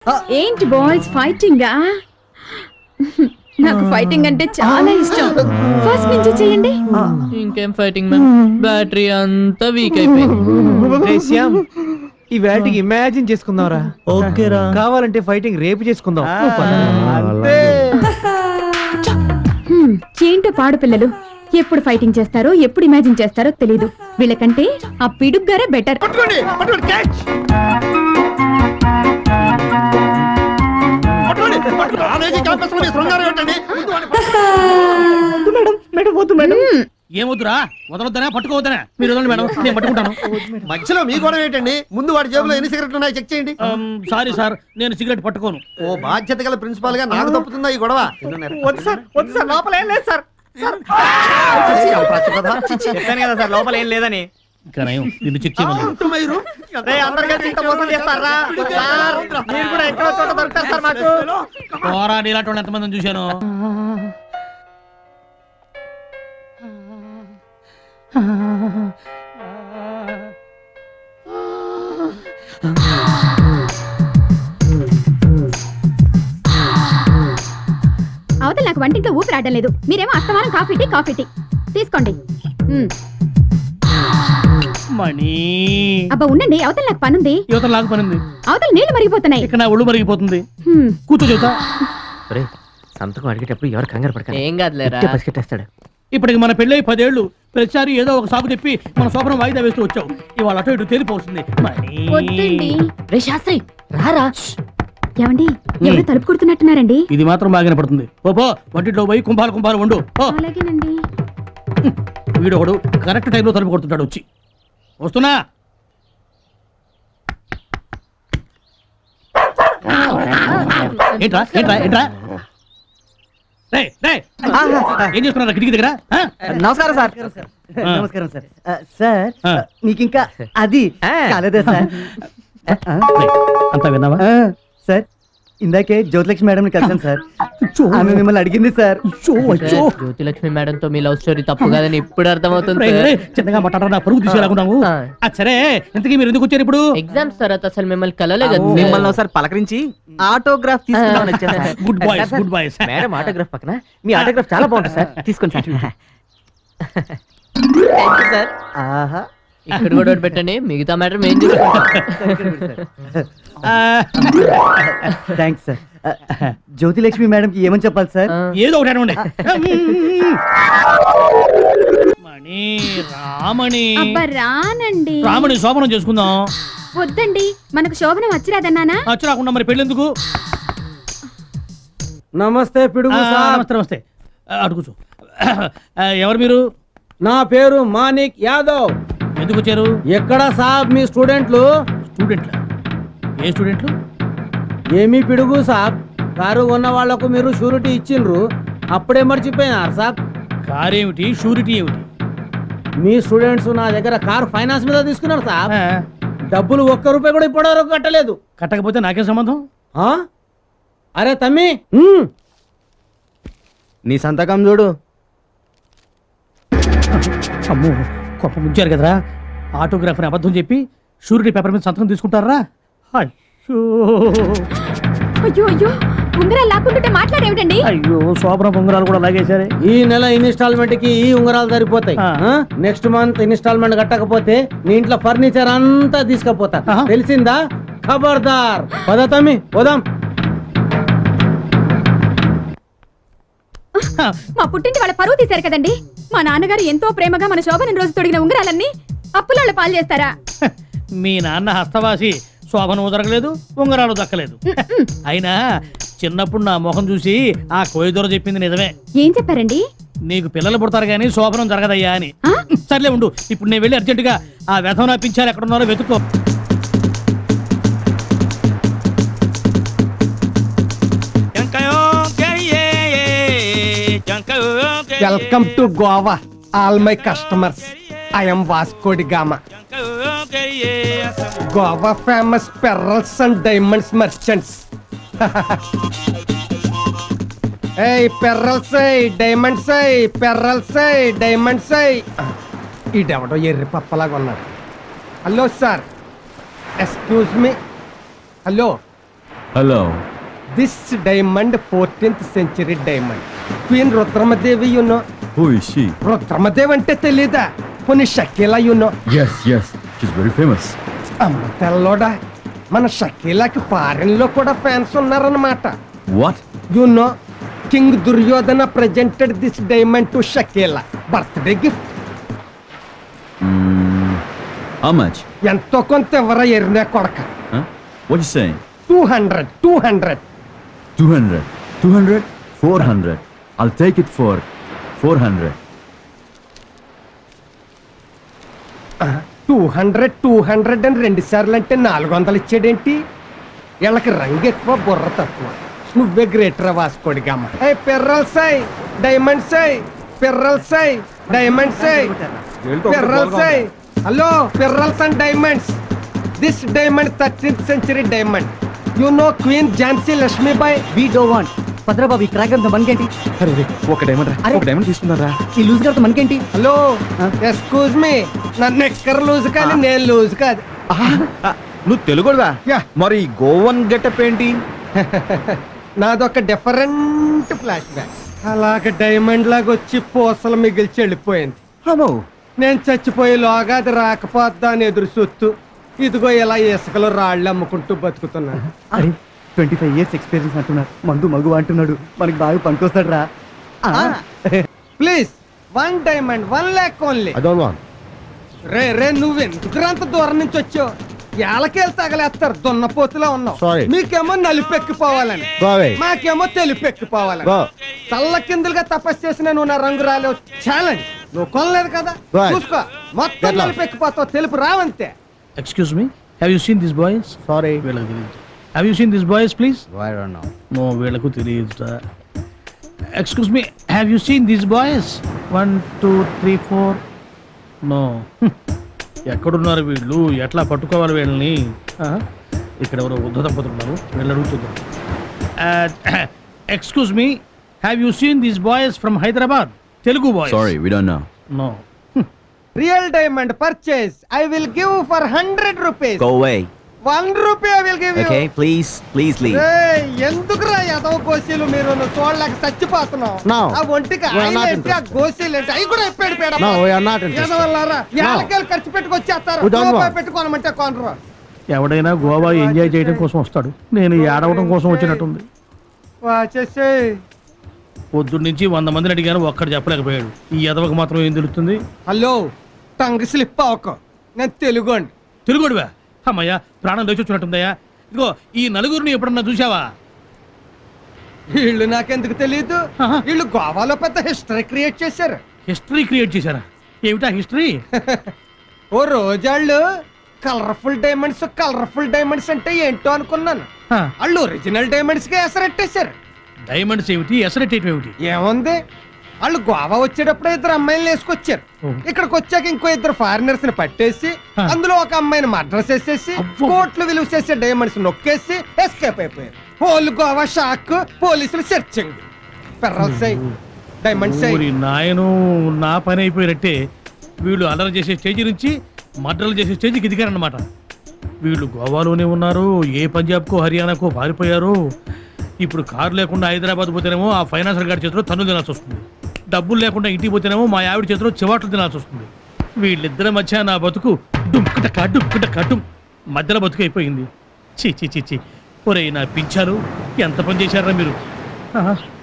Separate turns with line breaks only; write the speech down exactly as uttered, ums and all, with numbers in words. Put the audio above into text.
ఏంటి బాయ్స్ ఫైటింగా? నాకు ఫైటింగ్ అంటే చాలా ఇష్టం. ఫస్ట్ నుంచి చేయండి.
ఇంకేం ఫైటింగ్ మ్యామ్, బ్యాటరీ అంతా వీక్ అయిపోయింది.
ఈ వేటికి ఇమాజిన్ చేసుకుందాంరా.
ఓకేరా,
కావాలంటే ఫైటింగ్ రేపు చేసుకుందాం.
ఏంటో పాడు పిల్లలు, ఎప్పుడు ఫైటింగ్ చేస్తారో ఎప్పుడు ఇమాజిన్ చేస్తారో తెలీదు. వీళ్ళకంటే ఆ పిడుగ్గారే బెటర్.
ఏమొద్దురా, వదలొద్దనా పట్టుకోవద్దనా? మీరు వదలండి మేడం, నేను పట్టుకుంటాను.
మధ్యలో మీ గొడవ ఏంటండి? ముందు వాడి జేబులో ఎన్ని సిగరెట్లు ఉన్నాయో చెక్ చేయండి.
సారీ సార్, నేను సిగరెట్ పట్టుకోను.
ఓ బాధ్యత గల ప్రిన్సిపాల్ గా నాకు తప్పుతుందా ఈ గొడవ?
వద్దు సార్, వద్దు సార్, లోపల ఏం లేదు సార్. చెప్పాను కదా సార్, లోపల ఏం లేదని.
ఇంకా నయం, నిన్ను చెక్ చేయమని. పోరాడి ఇలాంటి వాళ్ళు ఎంతమందిని చూశాను.
అవతల నాకు వంటింట్లో ఊపిరి ఆడడం లేదు. మీరేమో అస్తమానం కాఫీ టీ కాఫీ టీ తీసుకోండి.
మణి
అబ్బా ఉండండి, అవతల నాకు పనుంది.
యువతల నాకు పనుంది.
అవతల నీళ్లు మరిగిపోతున్నాయి.
ఇక్కడ నా ఒళ్ళు మరిగిపోతుంది. కూర్చో చెబుతా.
సంతకం అడిగేటప్పుడు ఎవరు కంగారు పడకండి.
ఏం కాదులేరా,
పసిగట్టేస్తాడు.
ఇప్పటికి మన పెళ్ళై పదేళ్లు, ప్రతిసారి ఏదో ఒక సాగు చెప్పి మన శోభనం వాయిదా వేస్తూ వచ్చావు. ఇవాళ అటు ఇటు తేలిపోతుంది.
వద్దండి.
రే శాస్త్రి రారా.
ఏమండి, ఎవరు తలుపు కొడుతున్నట్టున్నారండి?
ఇది మాత్రం బాగానే పడుతుంది. ఓపో వంటిట్లో పోయి కుంభాలు కుంభాలు వండు.
అలాగేనండి.
వీడొకడు కరెక్ట్ టైంలో తలుపు కొడుతుంటాడు. వచ్చి వస్తున్నా. ఏంట్రా ఏంట్రా ఏంట్రా ఏం చేస్తున్నారు కిటికీ దగ్గర?
నమస్కారం సార్. నమస్కారం సార్. సార్ మీకు ఇంకా అది కాలేదా సార్?
అంతా విన్నావా
సార్? ఇందాకే జ్యోతిలక్ష్మి మేడం కలిసాను సార్. ఆమె మిమ్మల్ని అడిగింది సార్.
జ్యోతిలక్ష్మి మేడం తో మీ లవ్ స్టోరీ తప్పు కాదని ఇప్పుడు అర్థమవుతుంది.
చిన్నగా మాట్లాడారా, పరుగు తీసేలాగున్నావు. సరే, ఇంతకీ మీరు ఎందుకు వచ్చారు ఇప్పుడు?
ఎగ్జామ్స్ తర్వాత అసలు మిమ్మల్ని కలలే కదా.
మిమ్మల్ని ఒకసారి పలకరించి ఆటోగ్రాఫ్ తీసుకుందామని వచ్చాను sir.
Good boys, good boys.
Madam autograph పక్కన మీ ఆటోగ్రాఫ్ చాలా బాగుంటుంది సార్, తీసుకోండి సార్.
సార్
ఆహా,
ఇక్కడ కూడా ఒకటి పెట్టండి, మిగతా మ్యాటర్ మేము చూసుకుంటాం.
Thanks sir. జ్యోతిలక్ష్మి మేడం కి ఏమని చెప్పాలి సార్?
ఏదో ఒకటి అనండి. మణి రామణి.
అబ్బా రానండి.
రామణి శోభనం చేసుకుందాం.
వద్దండి, మనకు శోభనం వచ్చిరాదన్నానా?
వచ్చి రాకుండా మరి పెళ్ళెందుకు?
నమస్తే పిడుగు సార్.
నమస్తే నమస్తే. అటు కూర్చో. ఎవరు మీరు?
నా పేరు మానిక్ యాదవ్.
ఎందుకు వచ్చారు?
ఎక్కడ సాబ్ మీ స్టూడెంట్లు?
స్టూడెంట్లా? ఏ స్టూడెంట్లు?
ఏమీ పిడుగు సాబ్, కారు ఉన్న వాళ్లకు మీరు షూరిటీ ఇచ్చిండ్రు, అప్పుడే మర్చిపోయినారు సాబ్.
కార్ ఏమిటి, షూరిటీ ఏమిటి?
మీ స్టూడెంట్స్ నా దగ్గర కార్ ఫైనాన్స్ మీద తీసుకున్నారు సాబ్. డబ్బులు ఒక్క రూపాయి కూడా ఇప్పటివరకు కట్టలేదు.
కట్టకపోతే నాకే సంబంధం?
అరే తమ్మి,
నీ సంతకం చూడు.
అమ్మో, గొప్ప ముంచారు కదరా. ఆటోగ్రాఫర్ని అబద్ధం చెప్పి షూరిటీ పేపర్ మీద సంతకం తీసుకుంటారా? అయ్యో
అయ్యో అయ్యో, ఉంగరాలు లాక్కుంటుంటే మాట్లాడేమిటండి?
అయ్యో, శోభన ఉంగరాలు కూడా లాగేశారే.
ఈ నెల ఇన్స్టాల్మెంట్ కి ఈ ఉంగరాలు సరిపోతాయి. నెక్స్ట్ మంత్ ఇన్స్టాల్మెంట్ కట్టకపోతే నీ ఇంట్లో ఫర్నిచర్ అంతా తీసుకుపోతా, తెలిసిందా? ఖబర్దార్. పద తమ్మి, పోదాం.
మా పుట్టింటి వాళ్ళ పరువు తీశారు కదండి. మా నాన్నగారు ఎంతో ప్రేమగా మన శోభనం రోజు తొడిగిన ఉంగరాలన్నీ అప్పుల పాలు చేస్తారా?
మీ నాన్న హస్తవాసి, శోభనం జరగలేదు, ఉంగరాలు దక్కలేదు. అయినా చిన్నప్పుడు నా మొహం చూసి ఆ కోయిదొర చెప్పింది నిజమే.
ఏం చెప్పారండి?
నీకు పిల్లలు పుడతారు గానీ శోభనం జరగదయ్యా అని. సర్లే ఉండు, ఇప్పుడు నేను వెళ్ళి అర్జెంటుగా ఆ వ్యధం పింఛాలు ఎక్కడున్నారో వెతుక్కో.
Welcome to Goa all my customers. I am Vasco da Gama. Goa famous pearls and diamonds merchants. ఏయ్ పెరల్స్, డైమండ్స్, పెరల్స్, డైమండ్స్. ఈడెవడో ఎర్రి పప్పలాగా ఉన్నాడు. Hello sir, excuse me. Hello,
Hello.
This diamond fourteenth century diamond queen Rudramadevi you know
Who is she?
Rudramadevi అంటే తెలీదా కొన్ని Shakila you know
Yes, yes. She's very famous.
అమ్మ తెల్లోడా మన షకీలాకి ఫారెన్ లో కూడా ఫ్యాన్స్ ఉన్నారన్నమాట
What?
You know king Duryodhana presented this diamond to Shakila birthday gift
Mm, how much?
ఎంతో కొంత ఎవరా ఎరినా కొడక
Huh? What you saying?
Two hundred two hundred
two hundred. two hundred? four hundred. I'll take it for four hundred.
Two hundred two hundred అని రెండు సార్లు అంటే నాలుగు వందలు ఇచ్చాడేంటి వీళ్ళకి రంగు ఎక్కువ బుర్ర తక్కువ నువ్వే గ్రేటర్ వాసుకోడిగమ్మ ఏ పెర్రల్ సై డైమండ్ సై పెర్రల్ సై డైమండ్ సై పెర్రల్ సై hello pearls and diamonds this diamond thirteenth century diamond you know queen Jhansi Lakshmibai
we do want Bhadrababu ఈ క్రాక్ అంతా మనకేంటి
అరే ఒక డైమండ్
అరే.
ఒక డైమండ్ తీసుకున్నారా?
ఈ లూజ్ గారితో మనకేంటి
హలో ఎక్స్క్యూజ్ మీ నన్ను ఎక్కర లూజ్ కానీ నేను లూజ్ కాదు
నువ్వు తెలుగుదా?
యా.
మరి గోవన్ గెటప్ ఏంటి?
నాదొక డిఫరెంట్ ఫ్లాష్ బ్యాక్ అలాగ డైమండ్ లాగా వచ్చి పూసలు మిగిల్చి వెళ్ళిపోయింది
అమ్మో.
నేను చచ్చిపోయే లోగా అది రాకపోద్దా అని ఎదురు చూస్తూ ఇదిగో ఇలా ఇసుకలో రాళ్ళు అమ్ముకుంటూ బతుకుతున్నాను
అరే ట్వంటీ ఫైవ్ ఇయర్స్ ఎక్స్పీరియన్స్ అంటున్నాడు మందు మగు అంటున్నాడు మనకి బాగా పనికొస్తాడు రా
please one diamond one lakh only రే రే నువ్వెందుకు అంత దూరం నుంచి వచ్చావు ఏళ్ళకేళ్ళు తగలేస్తారు దున్నపోతులో ఉన్నావు
Sorry.
మీకేమో నలుపెక్కిపోవాలని మాకేమో తెలుపెక్కిపోవాలని చల్ల కిందులుగా తపస్సు చేసిన నువ్వు నా రంగు రాలేవు ఛాలెంజ్ నువ్వు కొనలేదు కదా
Right.
చూసుకో మొత్తం నలుపెక్కిపోతావు తెలుపు రావంతే
excuse me have you seen this boys
sorry.
వీళ్ళకి తెలియదు have you seen this boys please no వీళ్ళకు తెలియదు excuse me have you seen this boys one two three four no ఎక్కడున్నారు వీళ్ళు ఎట్లా పట్టుకోవాలి వీళ్ళని ఆ? ఇక్కడ ఎవరో ఉద్ధ దంపతున్నారు వీళ్ళు అడుగుతున్నారు excuse me have you seen this boys from Hyderabad Telugu boys
Sorry, we don't know.
No
real diamond purchase I will give for hundred rupees
Go away.
One rupee I will give you
Okay, please, please leave.
ఎందుకురా ఎదవ గోసీలు మీరు నువ్వు చూడలేక చచ్చిపోతున్నావు
No.
ఆ ఒంటికి
We are
oil
not
ఏంటి, ఆ గోసీలు ఏంటి అవి కూడా ఎప్పాడు పేడ
No, we are not interested.
ఎదవల్లారా ఏళ్ళకేళ్ళు ఖర్చు పెట్టుకొచ్చేస్తారు
We don't
రూపాయి
want.
పెట్టుకోనమంటే కొనరు
ఎవడైనా గోవా ఎంజాయ్ చేయడం కోసం వస్తాడు నేను ఏడవడం కోసం వచ్చినట్టుంది
వాచేసే
పొద్దున్న నుంచి వంద మందిని అడిగాను ఒక్కడు చెప్పలేకపోయాడు ఈ ఎదవకు మాత్రం ఏం తెలుస్తుంది
హలో టంగ్ స్లిప్ అవ్వకు నేను తెలుగు అండి
తిరుగుడువా అమ్మయ్యా ప్రాణం లేచి వచ్చినట్టుందయ్యా ఇదిగో ఈ నలుగురిని ఎప్పుడన్నా చూసావా
వీళ్ళు నాకెందుకు తెలియదు
ఆహా.
వీళ్ళు గోవాలో పెద్ద హిస్టరీ క్రియేట్ చేశారు
హిస్టరీ క్రియేట్ చేశారా ఏమిటా హిస్టరీ
ఓ రోజాళ్ళు కలర్ఫుల్ డైమండ్స్ కలర్ఫుల్ డైమండ్స్ అంటే ఏంటో అనుకున్నాను వాళ్ళు ఒరిజినల్ డైమండ్స్ కి ఎసరెట్టేశారు
డైమండ్స్ ఏమిటి ఎసరెట్టేయటం ఏమిటి
ఏముంది వాళ్ళు గోవా వచ్చేటప్పుడు ఇద్దరు అమ్మాయిలు వేసుకొచ్చారు
ఓ.
ఇక్కడికి వచ్చాక ఇంకో ఇద్దరు ఫారినర్స్ ని పట్టేసి
హ.
అందులో ఒక అమ్మాయిని మర్డర్ చేసేసి
అబ్బో.
కోట్లు విలువ చేసే డైమండ్స్ నొక్కేసి ఎస్కేప్ అయిపోయారు హోల్ గోవా షాక్ పోలీసులు సెర్చింగ్ పెర్రల్స్ డైమండ్స్
ఊరి నాయను నా పని అయిపోయినట్టే వీళ్ళు అల్లరి చేసే స్టేజ్ నుంచి మర్డర్లు చేసే స్టేజ్కి ఎదిగారన్నమాట వీళ్ళు గోవాలోనే ఉన్నారు ఏ పంజాబ్కో హర్యానాకో పారిపోయారు ఇప్పుడు కారు లేకుండా హైదరాబాద్ పోతేనేమో ఆ ఫైనాన్సర్ గారి చేతిలో తన్ను తినాల్సి వస్తుంది డబ్బులు లేకుండా ఇంటికి పోతేనేమో మా ఆవిడ చేతిలో చివాట్లు తినాల్సి వస్తుంది వీళ్ళిద్దరి మధ్య నా బతుకు డుంకుట కడ్డు కడ్డు మధ్యలో బతుకు అయిపోయింది చీ చీ చీ చీ ఒరేయ్ నా పింఛాలు ఎంత పని చేశారా మీరు ఆహా.